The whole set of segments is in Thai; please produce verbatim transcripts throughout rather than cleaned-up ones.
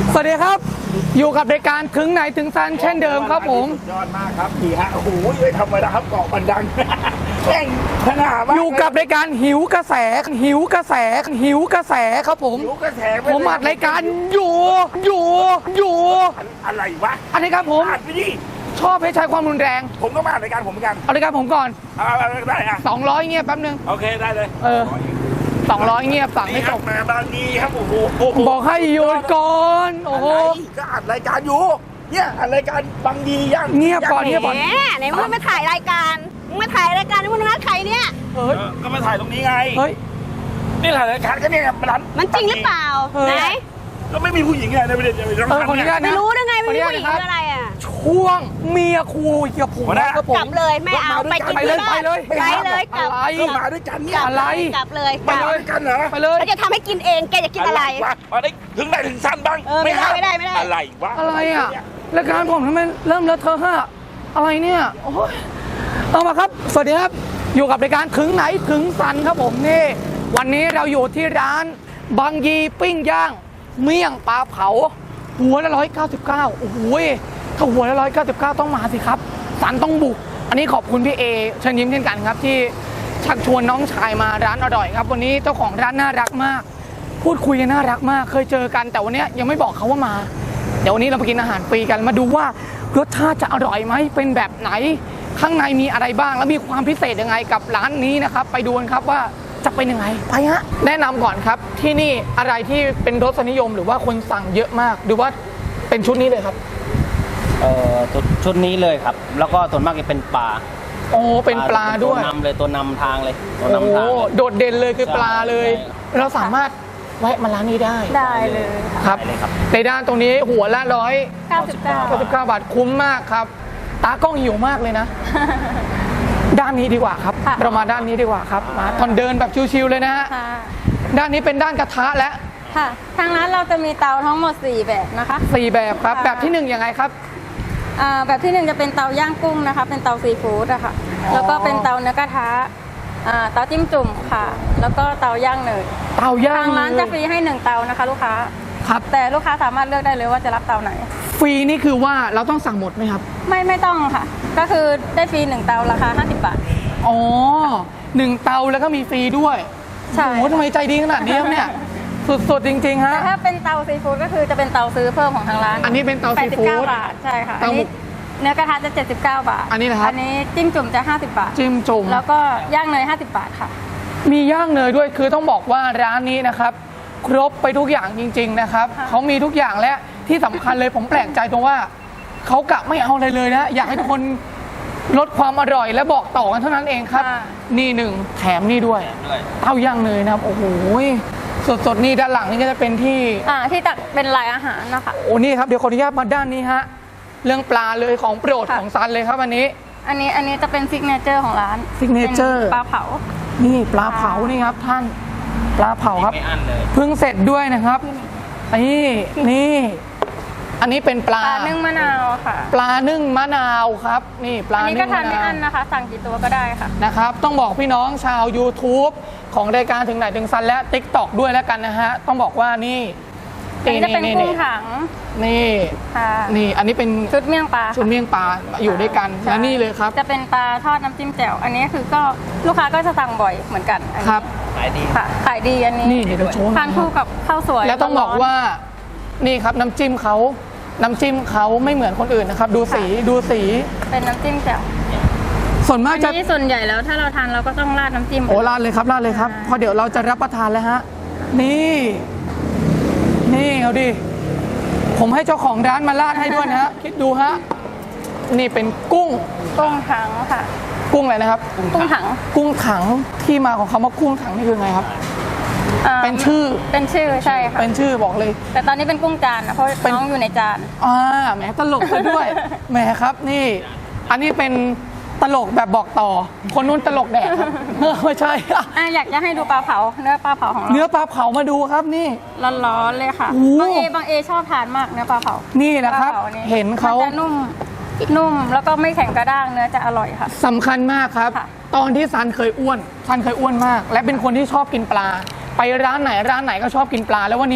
สวัสดีครับอยู่กับรายการถึงไหนถึงซันเช่นเดิมครับผมยอดมากครับพี่ฮะโอ้โหไม่ธรรมดาครับเกาะบันดังแข่งขนาดมากอยู่กับรายการหิวกระแสหิวกระแสหิวกระแสครับผมหิวกระแสผมอัดรายการอยู่อยู่อยู่อะไรวะอันนี้ครับผมอัดไปดิชอบให้ใช้ความรุนแรงผมก็มาอัดรายการผมเหมือนกันเอารายการผมก่อนเอาได้อะสองร้อยเงียบแป๊บนึงโอเคได้เลยเออสองร้อยเงียบสั่งให้จบมาบางทีครับโอ้โหบอกให้หยุดก่อนโอ้โหก็อัดรายการอยู่เนี่ยอัดรายการบางทียังเงียบก่อนเงียบก่อนแหมไหนมึงมาถ่ายรายการมึงมาถ่ายรายการนี่มึงนัดใครเนี่ยเฮ้ยก็มาถ่ายตรงนี้ไงเฮ้ยนี่ถ่ายรายการก็เนี่ยร้านมันจริงหรือเปล่าไหนก็ไม่มีผู้หญิงไงในประเด็นจะไปร้องคนนี้ไม่รู้ได้ไงไม่มีผู้หญิงคืออะไรอ่ะช่วงเมียคูกับผมนะครับผมกลับเลยไม่เอาไปกินที่บ้านไปเลยไปเลยกลับก็มาด้วยกันเนี่ยอะไรกลับเลยไปด้วยกันเหรอไปเลยเราจะทำให้กินเองแกจะกินอะไรมาได้ถึงไหนถึงสั้นบ้างไม่ได้ไม่ได้ไม่ได้อะไรวะอะไรอ่ะรายการผมทำไมเริ่มเลอะเทอะฮะอะไรเนี่ยโอ้ยเอามาครับสวัสดีครับอยู่กับรายการถึงไหนถึงซันครับผมนี่วันนี้เราอยู่ที่ร้านบางยีปิ้งย่างเมี่ยงปลาเผาหัวละร้อยเก้าสิบเก้าโอ้โหถ้าหัวละร้อยเก้าสิบเก้าต้องมาสิครับซันต้องบุกอันนี้ขอบคุณพี่เอเชิญยิ้มเช่นกันครับที่ชักชวนน้องชายมาร้านอร่อยครับวันนี้เจ้าของร้านน่ารักมากพูดคุยกันน่ารักมากเคยเจอกันแต่วันนี้ยังไม่บอกเขาว่ามาเดี๋ยววันนี้เราไปกินอาหารฟรีกันมาดูว่ารสชาติจะอร่อยไหมเป็นแบบไหนข้างในมีอะไรบ้างแล้วมีความพิเศษยังไงกับร้านนี้นะครับไปดูกันครับว่าจะเป็นยังไงไปฮะแนะนำก่อนครับที่นี่อะไรที่เป็นรสนิยมหรือว่าคนสั่งเยอะมากหรือว่าเป็นชุดนี้เลยครับเอ่อชุดนี้เลยครับแล้วก็ส่วนมากจะเป็นปลาโอ้เป็นปลาด้วยตัวนำเลยตัวนำทางเลยตัวนำทางโดดเด่นเลยคือปลาเลยเราสามารถแวะมาร้านนี้ได้ได้เลยครับในด้านตรงนี้หัวละร้อยเก้าสิบเก้าเก้าสิบเก้าบาทคุ้มมากครับตากล้องหิวมากเลยนะด้านนี้ดีกว่าครับเรามาด้านนี้ดีกว่าครับมาตอนเดินแบบชิวๆเลยนะฮะด้านนี้เป็นด้านกระทะและค่ะทางร้านเราจะมีเตาทั้งหมดสี่แบบนะคะสี่แบบครับแบบที่หนึ่งยังไงครับแบบที่หนึ่งจะเป็นเตาย่างกุ้งนะคะเป็นเตาซีฟู้ดอะค่ะแล้วก็เป็นเตาเนื้อกระทะเตาจิ้มจุ่มค่ะแล้วก็เตาย่างเนยเตาย่างทางร้านจะฟรีให้หนึ่งเตานะคะลูกค้าครับแต่ลูกค้าสามารถเลือกได้เลยว่าจะรับเตาไหนฟรีนี่คือว่าเราต้องสั่งหมดไหมครับไม่ไม่ต้องค่ะก็คือได้ฟรีหนึ่งเตาราคาห้าสิบบาทอ๋อหนึ่งเตาแล้วก็มีฟรีด้วยใช่โอ้ทำไมใจดีขนาดนี้เนี่ยสุดๆจริงๆฮะแต่ถ้าเป็นเตาซีฟู้ดก็คือจะเป็นเตาซื้อเพิ่มของทางร้านอันนี้เป็นเตาซีฟู้ดแปดสิบเก้าบาทใช่ค่ะอันนี้เนื้อกระทะจะเจ็ดสิบเก้าบาทอันนี้นะครับอันนี้จิ้มจุ่มจะห้าสิบบาทจิ้มจุ่มแล้วก็ย่างเนยห้าสิบบาทค่ะมีย่างเนยด้วยคือต้องบอกว่าร้านนี้นะครับครบไปทุกอย่างจริงๆนะครับเขามีทุกอย่างและที่สำคัญเลยผมแปลกใจตรงว่าเขากะไม่เอาอะไรเลยนะอยากให้ทุกคนลดความอร่อยและบอกต่อกันเท่านั้นเองครับนี่หนึ่งแถมนี่ด้วยเต้าย่างเนยนะครับโอ้โหสดๆนี่ด้านหลังนี่ก็จะเป็นที่อ่าที่ตักเป็นลายอาหารนะคะโอ้นี่ครับเดี๋ยวขออนุญาตมาด้านนี้ฮะเรื่องปลาเลยของโปรดของซันเลยครับอันนี้อันนี้อันนี้จะเป็นซิกเนเจอร์ของร้านซิกเนเจอร์ปลาเผานี่ปลาเผานี่ครับท่านปลาเผาครับเพิ่งเสร็จด้วยนะครับนี่นี่อันนี้เป็นปลาปลานึ่งมะนาวค่ะปลานึ่งมะนาวครับนี่ปลานึ่งมะนาวอันนี้ก็ทานไม่อั้นนะคะสั่งกี่ตัวก็ได้ค่ะนะครับต้องบอกพี่น้องชาว YouTube ของรายการถึงไหนถึงซันและ ติ๊กต็อก ด้วยแล้วกันนะฮะต้องบอกว่านี่อันนี้จะเป็นกุ้งถังนี่นี่อันนี้เป็นชุดเมี่ยงปลาชุดเมี่ยงปลาอยู่ด้วยกันและนี่เลยครับจะเป็นปลาทอดน้ำจิ้มแจ่วอันนี้คือก็ลูกค้าก็จะสั่งบ่อยเหมือนกันครับขายดีค่ะขายดีอันนี้นี่เดี๋ยวโชว์ทานคู่กับข้าวสวยแล้วต้องบอกว่านี่ครับน้ำจิ้มเขาน้ำจิ้มเขาไม่เหมือนคนอื่นนะครับดูสีดูสีเป็นน้ำจิ้มแจ่วส่วนมากจะส่วนใหญ่แล้วถ้าเราทานเราก็ต้องราดน้ำจิ้มโอ้ราดเลยครับราดเลยครับเพราะเดี๋ยวเราจะรับประทานแล้วฮะนี่นี่เอาดิผมให้เจ้าของร้านมาราดให้ด้วยนะฮะคิดดูฮะนี่เป็นกุ้งกุ้งถังค่ะกุ้งอะไรนะครับกุ้งถังกุ้งถังที่มาของคำว่ากุ้งถังนี่คือไงครับเป็นชื่อเป็นชื่อใช่ค่ะเป็นชื่อบอกเลยแต่ตอนนี้เป็นกุ้งจานนะเพราะน้องอยู่ในจานอ่าแหมตลกซะด้วยแหมครับนี่อันนี้เป็นตลกแบบบอกต่อคนนู้นตลกแดกครับไม่ใช่อ่ะอยากจะให้ดูปลาเผาเนื้อปลาเผาของเราเนื้อปลาเผามาดูครับนี่ร้อนๆเลยค่ะบางเอบางเอชอบทานมากเนื้อปลาเผานี่นะครับเห็นเขาจะนุ่มนุ่มแล้วก็ไม่แข็งกระด้างเนื้อจะอร่อยค่ะสำคัญมากครับตอนที่ซันเคยอ้วนซันเคยอ้วนมากและเป็นคนที่ชอบกินปลาไปร้านไหนร้านไหนก็ชอบกินปลาแล้ววันนี้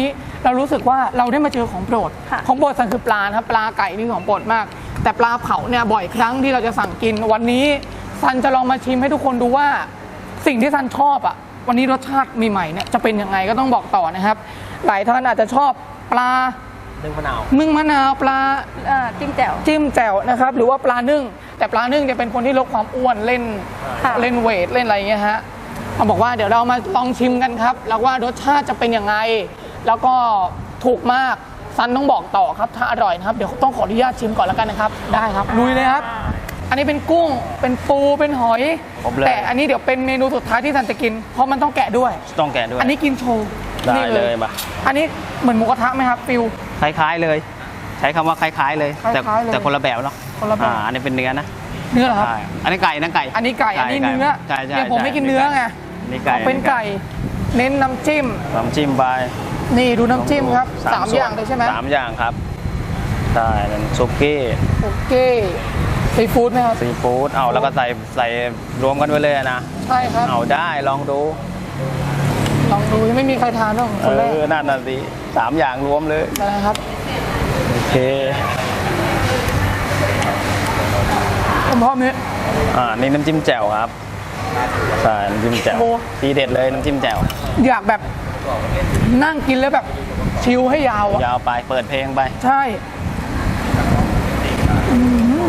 เรารู้สึกว่าเราได้มาเจอของโปรดค่ะของโปรดซันคือปลานะครับปลาไก่นี่ของโปรดมาก แต่ปลาเผาเนี่ยบ่อยครั้งที่เราจะสั่งกินวันนี้ซันจะลองมาชิมให้ทุกคนดูว่าสิ่งที่ซันชอบอ่ะวันนี้รสชาติใหม่ๆเนี่ยจะเป็นยังไงก็ต้องบอกต่อนะครับ หลายท่านอาจจะชอบปลานึ่งมะนาวนึ่งมะนาวปลาเอ่อจิ้มแจ่วจิ้มแจ่วนะครับหรือว่าปลานึ่งแต่ปลานึ่งจะเป็นคนที่ลดความอ้วนเล่นค่ะเล่นเวทเล่นอะไรอย่างเงี้ยฮะเขาบอกว่าเดี๋ยวเรามาลองชิมกันครับแล้วว่ารสชาติจะเป็นยังไงแล้วก็ถูกมากซันต้องบอกต่อครับถ้าอร่อยนะครับเดี๋ยวต้องขออนุญาตชิมก่อนแล้วกันนะครับได้ครับลุยเลยครับ อันนี้เป็นกุ้งเป็นปูเป็นหอยครบเลยแต่อันนี้เดี๋ยวเป็นเมนูสุดท้ายที่ซันจะกินเพราะมันต้องแกะด้วยต้องแกะด้วยอันนี้กินโชว์ได้นี่เลยมาอันนี้เหมือนหมูกระทะไหมครับฟิลคล้ายๆเลย ใช้คำว่าคล้ายๆเลย แต่คล้ายๆเลยแต่คนละแบบเนาะคนละแบบอ่าอันนี้เป็นเนื้อนะเนื้อเหรอครับใช่อันนี้ไก่นะไก่อันนี้ไก่อันนี้เนื้อใช่ใช่เนี่ยผมไม่กินเนื้อไงอันนี่ไก่เอาเป็นไก่เน้นน้ำจิ้มน้ำจิ้มไปนี่ดูน้ำจิ้มครับสามส่วนอย่างเลยใช่ไหมสามอย่างครับใช่เป็นซุกี้โอเคซีฟู้ดไหมครับซีฟู้ดเอาแล้วก็ใส่ใส่รวมกันไปเลยนะใช่ครับเอาได้ลองดูลองดูยังไม่มีใครทานหรอกเอคนแรกอนั่นน่ะสิสามอย่างรวมเลยนะครับโอเคผมพร้อมนี้อ่านี่น้ำจิ้มแจ่วครับใช่น้ำจิ้มแจ่วโอ้ทีเด็ดเลยน้ำจิ้มแจ่วอยากแบบนั่งกินแล้วแบบชิลให้ยาวอะยาวไปเปิดเพลงไปใช่อืม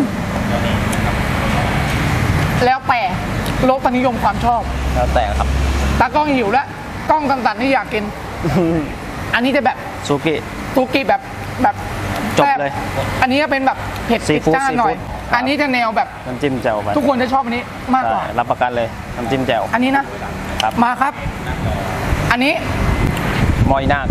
แล้วแต่รสนิยมความชอบแล้วแต่ครับตากล้องหิวแล้วกล้องตันๆนี่อยากกิน อันนี้จะแบบซุกี้ซูกิแบบแบบจบแซ่เลยอันนี้จะเป็นแบบเผ็ดซีติดฟู้ดจ้านหน่อยซีฟู้ดครับอันนี้จะแนวแบบน้ำจิ้มแจ่วไปทุกคนจะชอบอันนี้มากกว่าใช่รับประกันเลยน้ำจิ้มแจ่วอันนี้นะครับมาครับ อันนี้มอยนาค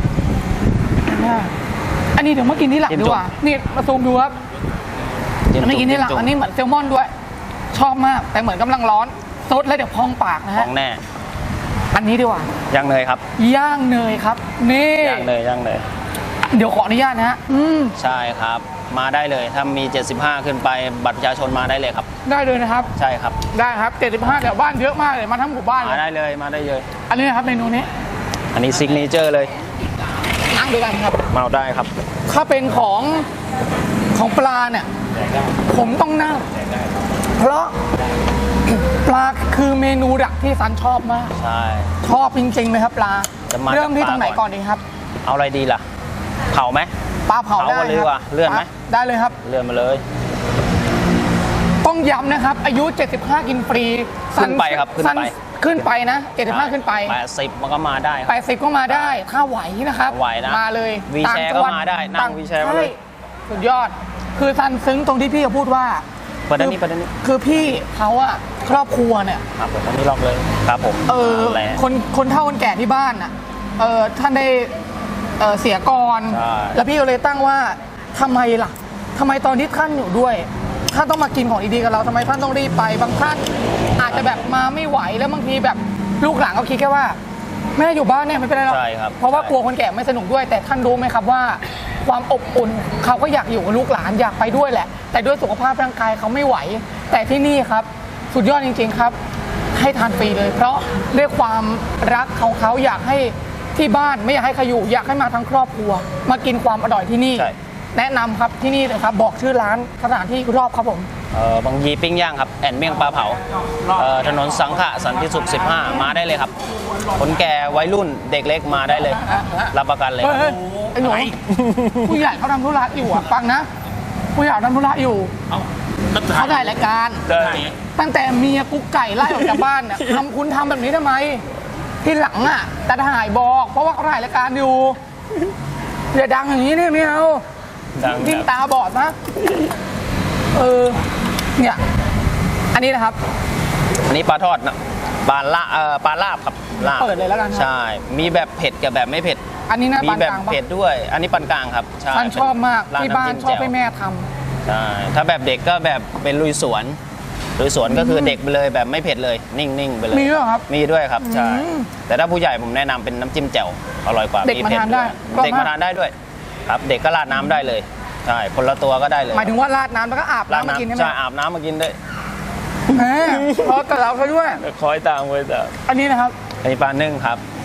อันนี้เดี๋ยวมากินที่หลังจิ้มดีกว่า นี่มาซูมดูครับ อันนี้กินที่หลังจุ่มอันนี้เหมือนแซลมอนด้วย ชอบมาก แต่เหมือนกำลังร้อนซดแล้วเดี๋ยวพองปากนะขฮะองแน่อันนี้ดีกว่าย่างเนยครับย่างเนยครับ นี่ย่างเนยย่างเนยเดี๋ยวขออนุญาตนะฮะ อืมใช่ครับ มาได้เลยถ้ามี เจ็ดสิบห้า ขึ้นไปบัตรประชาชนมาได้เลยครับได้เลยนะครับใช่ครับได้ครับเจ็ดสิบห้าแถวบ้านเยอะมากเลย มาทั้งหมู่บ้านเลมาย ได้เลยมาได้เลยอันนี้นะครับเมนูนี้อันนี้ซิกเนเจอร์เลยนั่งด้วยกันครับมาเอาได้ครับถ้าเป็นของของปลาเนี่ย ผมต้องนั่ง เพราะ ปลาคือเมนูดักที่ซันชอบมากใช่ชอบจริงๆเลยครับปลาจะมาเริ่มที่ตรงไหนจากปลาก่ก่ออน นดีครับเอาอะไรดีล่ะ เผาไหมปลาเผาเผาได้ก่อนเลยดีกว่าครับเลื่อนไหมได้เลยครับเลื่อนมาเลยต้องย้ำนะครับ อายุ เจ็ดสิบห้า กินฟรีขึ้นไปครับขึ้นไปซัขึ้นไปนะ เจ็ดสิบห้า ขึ้นไปแปดสิบมันก็มาได้ครับแปดสิบก็มาได้ ถ้าไหวนะครับไหวนะมาเลยวีแชร์ต่งจังหวัก็มาได้นั่งต่วีแชร์มาเลยใสุดยอด คือซันซึ้งตรงที่พี่เขาพูดว่าเปิดด้านนี้เปิดด้านนี้คือพี่เขาอะครอบครัวเนี่ยครับผมอันนี้ล็อกเลยครับผมเออนั่นแหละคนคนเฒ่าคนแก่ที่บ้านอ่ะเออท่านได้เออเสียก่อนใช่แล้วพี่ก็เลยตั้งว่าทำไมล่ะทำไมตอนที่ท่านอยู่ด้วยท่านต้องมากินของดีๆกับเราทำไมท่านต้องรีบไปบางท่านอาจจะแบบมาไม่ไหวแล้วบางทีแบบลูกหลานก็คิดแค่ว่าแม่อยู่บ้านเนี่ยไม่เป็นไรหรอกใช่ครับเพราะว่ากลัวคนแก่ไม่สนุกด้วย แต่ท่านรู้ไหมครับว่า ความอบอุ่นเขาก็อยากอยู่กับลูกหลานอยากไปด้วยแหละ แต่ด้วยสุขภาพร่างกายเขาไม่ไหว แต่ที่นี่ครับสุดยอดจริง ๆครับ ให้ทานฟรีเลย เพราะด้วยความรักของเขาอยากให้ที่บ้านไม่อยากให้ใครอยู่อยากให้มาทั้งครอบครัว มากินความอร่อยที่นี่ใช่แนะนำครับที่นี่เลยครับบอกชื่อร้านสถานที่รอบครับผมเออบางยีปิ้งย่างครับแอนเมี่ยงปลาเผาเอ่อถนนสังขะสันติสุขสิบห้ามาได้เลยครับ คนแก่วัยรุ่นเด็กเล็กมาได้เลย รับประกันเลยเฮ้ยเฮ้ยไอ้หนูผู้ใหญ่เขาทำธุระอยู่อ่ะฟังนะ ผู้ใหญ่ทำธุระอยู่เขาถ่ายรายการได้ตั้งแต่เมียกุ๊กไก่ไล่ออกจากบ้านเนี่ยทำคุณทำแบบนี้ทำไม ที่หลังอ่ะแต่ถ่ายบอก เพราะว่าเขาถ่ายรายการอยู่อย่าดังอย่างนี้เนี่ยไม่เอาดังยิ่งครับตาบอดนะเออเนี่ยอันนี้นะครับอันนี้ปลาทอดนะปลาละเอ่อปลาลาบครับลาบเปิดเลยแล้วกันครับใช่ มีแบบเผ็ดกับแบบไม่เผ็ดอันนี้นะมีปานแบบกลางปะเผ็ดด้วย อันนี้ปานกลางครับใช่ท่านชอบมากร้ที่บ้านำจิ้ชอบแจ่วให้แม่ทำใช่ถ้าแบบเด็กก็แบบเป็นลุยสวนลุยสวนก็คือเด็กไปเลยแบบไม่เผ็ดเลย นิ่งๆไปเลยมีด้วยเหรอครับมีด้วยครับใช่อืมแต่ถ้าผู้ใหญ่ผมแนะนำเป็นน้ำจิ้มแจ่วอร่อยกว่าเด็กมาผ็ทานได้วยก็เด็กมาทานได้ด้วย ครับเด็กก็ราดน้ำได้เลยใช่คนละตัวก็ได้เลยหมายถึงว่าราดน้ำแล้วก็อาบราดน้ำมากินใช่ไหมใช่อาบน้ำมากินด้วยแหมพอกับเราเขาด้วยคอยตามคอยตามอันนี้นะครับอันนี้ปลานึ่งครับ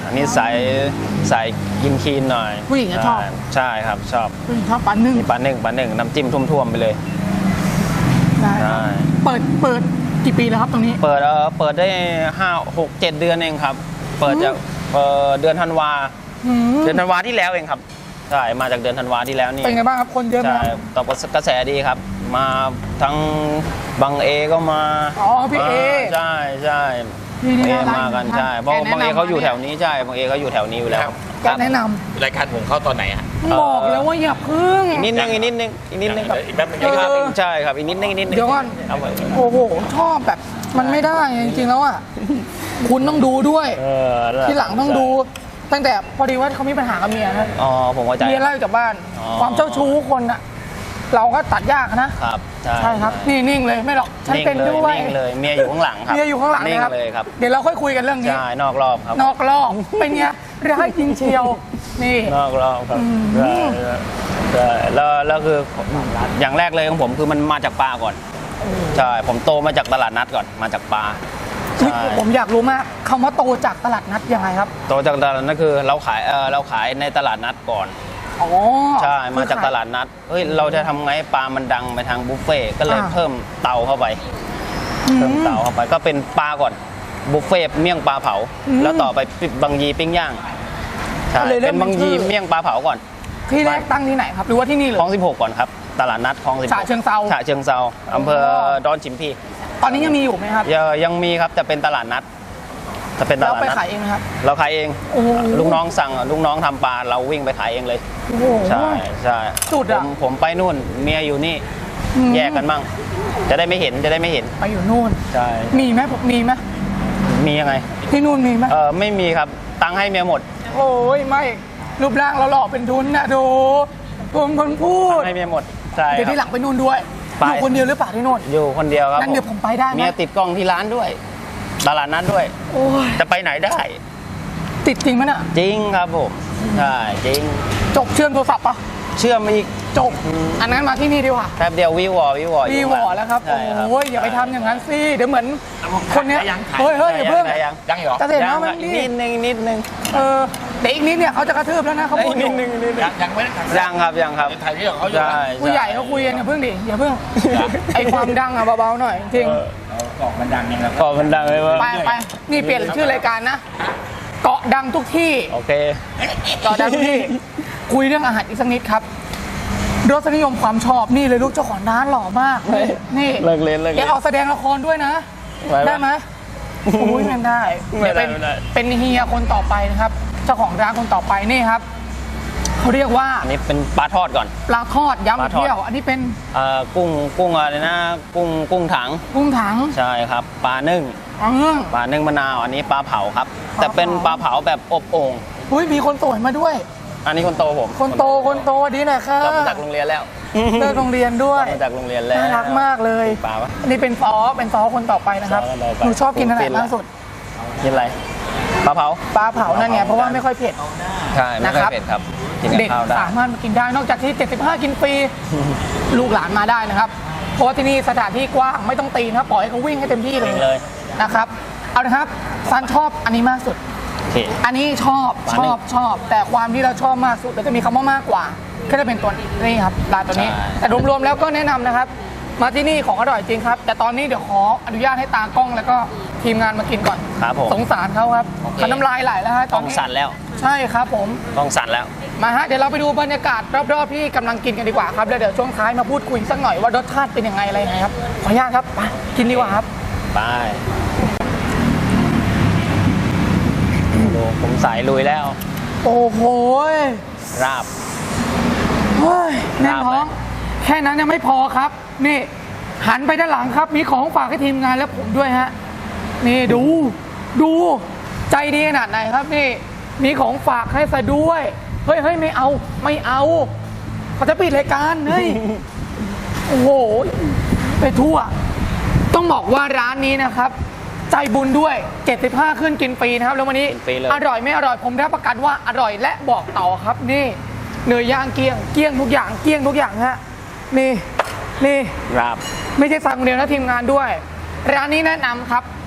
อันนี้สายสายกินคีนหน่อยผู้หญิงอะชอบใช่ครับชอบผู้หญิงชอบปลานึ่งมีปลาหนึ่งปลาหนึ่งน้ำจิ้มท่วมๆไปเลยได้ใช่เปิดเปิดกี่ปีแล้วครับตรงนี้เปิดเออเปิดได้ห้าหกเจ็ดเดือนเองครับ เปิดจากเอ่อเดือนธันวาอืมเดือนธันวาที่แล้วเองครับใช่มาจากเดือนธันวาที่แล้วนี่เป็นไงบ้างครับคนเยอะไหมใช่ครับตอบกระแสดีครับ มาทั้งบังเอก็มาอ๋อพี่เอใช่ใช่พี่นี่เอน่ารักมากันนะใช่เพราะแกแนะนำบางเอเขาอยู่มาเนี่ยแถวนี้ใช่บางเอเขาอยู่แถวนี้อยู่แล้วแกแนะนำรายการผมเข้าตอนไหนอะบอกแล้วว่าอย่าพึ่งอีกนิดนึงอีกนิดนึงอีกนิดนึงครับอีกแป๊บนึงเออใช่ครับอีกนิดนึงอีกนิดนึงเดี๋ยวก่อนเอาไปโอ้โหชอบแบบมันไม่ได้จริงๆแล้วอ่ะคุณต้องดูด้วยเออทีหลังต้องดู ตั้งแต่พอดีว่าเขามีปัญหากับเมียนะอ๋อผมเข้าใจเมียไล่จากบ้านอ๋อความเจ้าชู้คนอ่ะ เราก็ตัดยากนะครับใช่ใช่ครับนี่นิ่งเลยไม่หรอกฉันนิ่งเป็นเลยด้วยนิ่งเลยเมียอยู่ข้างหลังครับเมียอยู่ข้างหลังนิ่งนะครับเลยครับเดี๋ยวเราค่อยคุยกันเรื่องนี้ใช่นอกรอบครับนอกรอบเป็นไงร้ายจริงเชียวนี่นอกรอบครับอืมใช่ใช่ใช่แล้วแล้วคืออย่างแรกเลยของผมคือมันมาจากปลาก่อนใช่ผมโตมาจากตลาดนัดก่อนมาจากปลาเฮ้ยใช่ผมอยากรู้มากคำว่าโตจากตลาดนัดยังไงครับโตจากตลาดนัดคือเราขายเออเราขายในตลาดนัดก่อนอ๋อใช่มาจากตลาดนัดเฮ้ยเราจะทำไงให้ปลามันดังไปทางบุฟเฟ่ต์ก็เลยอ่าเพิ่มเตาเข้าไปอืมเพิ่มเตาเข้าไปก็เป็นปลาก่อนบุฟเฟ่ต์เมี่ยงปลาเผาอืมแล้วต่อไปบางยีปิ้งย่างใช่ก็เลยเริ่เป็มนบางยีเป็นชื่อเมี่ยงปลาเผาก่อนที่แรกตั้งที่ไหนครับ หรือว่าที่นี่เลคลอย งสิบหกก่อนครับตลาดนัดคลองสิบหกฉะเชิงเทราฉะเชิงเซาอำเภอดอนชิมพีตอนนี้ยังมีอยู่ไหมครับยังยังมีครับแต่เป็นตลาดนัดจะเป็นตเราลาดไปนัดขายเองนะครับเราขายเองโอ้โหลูกน้องสั่งลูกน้องทำปลาเราวิ่งไปขายเองเลยโอ้โหใช่ใช่สุดผอะมผมไปนู่นเมียอยู่นี่อืมแยกกันมั่งจะได้ไม่เห็นจะได้ไม่เห็นไปอยู่นู่นใช่มีไหมผมมีไหมมียังไงที่นู่นมีไหมเออไม่มีครับตังค์ให้เมียหมดโอ้ยไม่รูปร่างเราหล่อเป็นทุนนะดูผมคนพูดให้เมียหมดใช่เดี๋ยวคที่หรับลังไปนู่นด้วยไปอยู่คนเดียวหรือเปล่าที่นู่นอยู่คนเดียวครับงั้นเดี๋ยวผมไปได้ไหมเมียติดกล้องที่ร้านด้วย ตลาดนัดด้วยโอ้ยจะไปไหนได้ติดจริงไหมน่ะจริงครับผมใช่จริงจบเชื่อมโทรศัพท์ปะเชื่อมอีกจบอันนั้นมาที่นี่ดีกว่าแป๊บเดียววิววอวิววอวีวอแล้วครับใช่ครับโอ้ยอย่าไปทำอย่างนั้นสิเดี๋ยวเหมือนคนเนี้ยยังขายเฮ้ยเฮ้ยอย่าเพิ่งได้ยังยังเหรอจะเสร็จแล้วยังมันอีกนี่นิดนึงนิดนึงเออเดี๋ยวอีกนิดเนี่ยเขาจะกระทืบแล้วนะเขาพูดอนิยู่ดนึงนิดนึงยังยังไม่ได้ถ่ายยังครับยังครับถ่ายที่ของเขาอยู่ใช่นะผู้ใหญ่เขาคุยกันอย่าเพิ่งดิอย่าเพิ่งไอความดังอะเบาๆหน่อยจริงเอากล่องมันดังยังแล้วก็มันดังเลยว่าไปไปนี่เปลี่ยนชื่อรายการนะเกาะดังทุกที่โอเคเกาะดังทุกที่ คุยเรื่องอาหารอีกสักนิดครับรสนิยมความชอบนี่เลยลูกเจ้าของร้านหล่อมากนี่นี่เลิกเล่นเลิกแกเล่นเอาแสดงละครด้วยนะไหวไหมได้ไหมโอ้ยไม่ได้ไม่เดี๋ยวได้เป็นไม่ได้เป็นเฮียคนต่อไปนะครับ เจ้าของร้านคนต่อไปนี่ครับเขาเรียกว่าอันนี้เป็นปลาทอดก่อนปลาทอดปลาย้ำทอดเที่ยว อันนี้เป็นเอ่อกุ้งกุ้งอะไรนะกุ้งกุ้งถังกุ้งถังใช่ครับปลานึ่งอ๋อปลานึ่งมะนาวอันนี้ปลาเผาครับปลาเผาแต่เป็นปลาเผาแบบอบโอ่งอุ้ยมีคนสวยมาด้วยอันนี้คนโตผมคนโตคนโตดีหน่อยค่ะกลับมาจากโรงเรียนแล้วเลิกโรงเรียนด้วกยลับมาจากโรงเรียนแล้วน่ารักมากเลยปลาปะอันนี้เป็นซอเป็นซอคนต่อไปนะครับซอคนต่อไปหนูชอบกินอะไรฟินละมากสุดกินอะไรปลาเผาปลาเผานั่นไงเพราะว่าไม่ค่อยเผ็ดใช่ไม่ค่อยนะครับเผ็ดครับกินกับเด็กข้าวได้สามารถมากินได้นอกจากที่ เจ็ดสิบห้า กินฟรี ลูกหลานมาได้นะครับ เพราะว่าที่นี่สถานที่กว้างไม่ต้องตีนะครับปล่อยให้เขาวิ่งให้เต็มที่เลยเลยนะครับ เอาละครับซันชอบอันนี้มากสุดโอเคอันนี้ชอบปลาชนึ่งอบชอบ แต่ความที่เราชอบมากสุดเราจะมีคำว่ามากกว่าก็จะเป็นตัวนี้นี่ครับร้านตัวนี้ใช่แต่รวมๆแล้วก็แนะนำนะครับ มาที่นี่ของอร่อยจริงครับ แต่ตอนนี้เดี๋ยวขออนุญาตให้ตากล้องแล้วก็ทีมงานมากินก่อนครับผมสงสารเขาครับโอเคเขาน้ำลายไหลแล้วฮะตต้ออน งนี้สั่นแล้วใช่ครับผมต้องสั่นแล้วมาฮะเดี๋ยวเราไปดูบรรยากาศรอบๆที่กำลังกินกันดีกว่าครับแล้วเดี๋ยวช่วงท้ายมาพูดคุยสักหน่อยว่ารสชาติเป็นยังไงอะไรยังไงครับขออนุญาตครับไปกินดีกว่าครับไปดูผมสายลุยแล้วโอ้โหราบเฮ้ยแน่นท้องราบไหมแค่นั้นยังไม่พอครับ นี่หันไปด้านหลังครับ มีของฝากให้ทีมงานและผมด้วยฮะนี่ดูดูใจดีขนาดไหนครับนี่มีของฝากให้ซะด้วยเฮ้ยเฮ้ยไม่เอาไม่เอาเขาจะปิดรายการเฮ้ย โอ้โหไปทั่ว ต้องบอกว่าร้านนี้นะครับ ใจบุญด้วยเจ็ดสิบห้าขึ้นกินฟรีนะครับแล้ววันนี้กินฟรีเลยอร่อยไม่อร่อยผมรับประกันว่าอร่อยและบอกต่อครับนี่เนื้อย่างเกลี้ยงเกลี้ยงทุกอย่างเกลี้ยงทุกอย่างฮะนี่นี่ราบไม่ใช่สั่งคนเดียวนะทีมงานด้วย ร้านนี้แนะนำครับ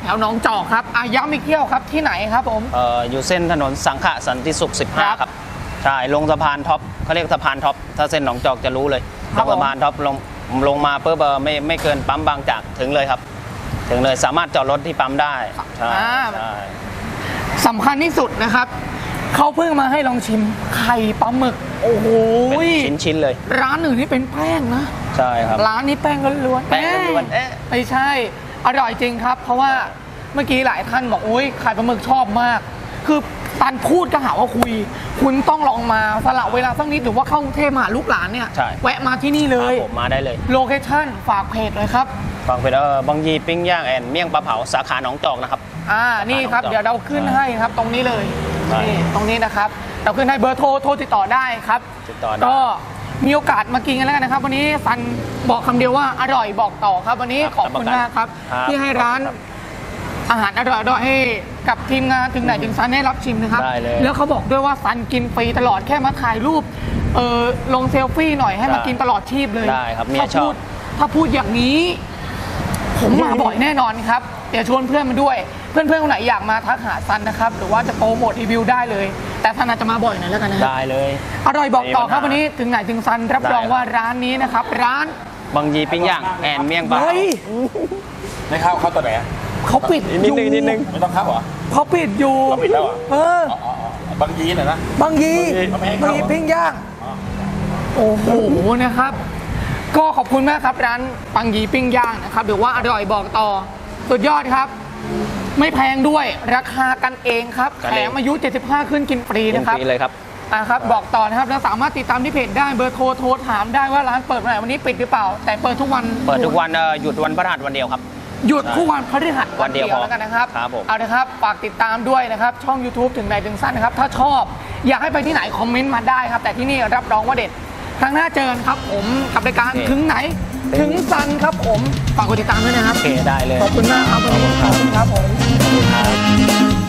แถวหนองจอกครับอาย้ำอีกเที่ยวครับที่ไหนครับผมเอ่ออยู่เส้นถนนสังขะสันติสุขครัสิบห้าบครับใช่ลงสะพานท็อปเขาเรียกสะพานท็อปถ้าเส้นหนองจอกจะรู้เลยครัลบงสะพานท็อปลงลงมาปุ๊บเอ่อไม่ไม่เกินปั๊มบางจากถึงเลยครับ ถึงเลยสามารถจอดรถที่ปั๊มได้ใช่อ่าใช่สำคัญที่สุดนะครับเขาเพิ่งมาให้ลองชิมไข่ปลาหมึกโอ้โหเป็นชิ้นๆเลยร้านอื่นนี่เป็นแป้งนะใช่ครับร้านนี้แป้งล้วนๆแป้งล้วนๆเอ๊ะไม่ใช่อร่อยจริงครับ เพราะว่าเมื่อกี้หลายท่านบอกอุ้ยไข่ปลาหมึกชอบมาก คือตันพูดก็หาว่าคุย คุณต้องลองมาสละเวลาสักนิดหรือว่าเข้ากรุงเทพมาหาลูกหลานเนี่ยใช่แวะมาที่นี่เลคยรับผมมาได้เลยโลเคชั่นฝากเพจเลยครับฟังเป็นเออบางยีปิ้งย่างแอนเมี่ยงปลาเผาสาขาหนองจอกนะครับอ่านี่ครับสาขาหนองจอกเดี๋ยวเราขึ้นให้ครับตรงนี้เลยใช่นี่ตรงนี้นะครับเราขึ้นให้เบอร์โทรโทรติดต่อได้ครับติดต่อได้ก็มีโอกาสมากินกันแล้วกันนะครับ วันนี้ซันบอกคำเดียวว่าอร่อยบอกต่อครับ วันนี้ขอบคุณมากครับครับที่ให้ร้านอาหารอร่อยๆให้กับทีมงานถึงไหนถึงซันได้รับชิมนะครับได้เลยแล้วเขาบอกด้วยว่าซันกินฟรีตลอดแค่มาถ่ายรูปเออลงเซลฟี่หน่อยให้มาได้กินตลอดชีพเลยได้ครับเมียถ้าชอบพูดถ้าพูดอย่างนี้ ผมมาบ่อยแน่นอนครับ เดี๋ยวชวนเพื่อนมาด้วย เพื่อนๆคนไหนอยากมาทักหาซันนะครับ หรือว่าจะโปรโมทรีวิวได้เลย แต่ซันอาจจะมาบ่อยหน่อยแล้วกันนะได้เลยอร่อยบอกต่อครับไม่มีปัญหาวันนี้ถึงไหนถึงซันรับรองได้ครับว่าร้านนี้นะครับ ร้านบางยีปิ้งย่างแอนเมี่ยงปลาเผาเฮ้ยไม่เข้าเข้าตัวไหนอะเขาปิดนิอดยู่นึงนิดนึงไม่ต้องเข้าเหรอเขาปิดอยู่เขาปิดแล้วเหรอเอออ๋ออ๋ออ๋อบางยีน่ะนะบางยีเขาไม่ให้บางเข้ายีเหรอปิ้งย่างโอ้โหนะครับ ก็ขอบคุณมากครับร้านปังยีปิ้งย่างนะครับหรือว่าอร่อยบอกต่อสุดยอดครับ ไม่แพงด้วยราคากันเองครับกันแถเองมอายุเจ็ดสิบห้าขึ้นกินฟรีกินนะครับฟรีเลยครับอ่ะครับบอกต่อนะครับแล้วสามารถติดตามที่เพจได้เบอร์โทรโทรถามได้ว่าร้านเปิดวันไหนวันนี้ปิดหรือเปล่า แต่เปิดทุกวันเปิดทุกวันเอ่อหยุดวันพฤหัสวันเดียวครับหยุดทุกวันพฤหัสวันเดียวพอแล้วกันนะครับครับผมเอาละครับฝากติดตามด้วยนะครับช่อง YouTube ถึงไหนถึงสั้นนะครับถ้าชอบอยากให้ไปที่ไหนคอมเมนต์มาได้ครับ แต่ที่นี่รับรองว่าเด็ดครั้งหน้าเจอกันครับผมกับรายการถึงไหนถึงสั้นครับผมฝากกดติดตามด้วยนะครับโอเคได้เลยขอบคุณมากครับวันนี้ขอบคุณครับผมขอบคุณครับ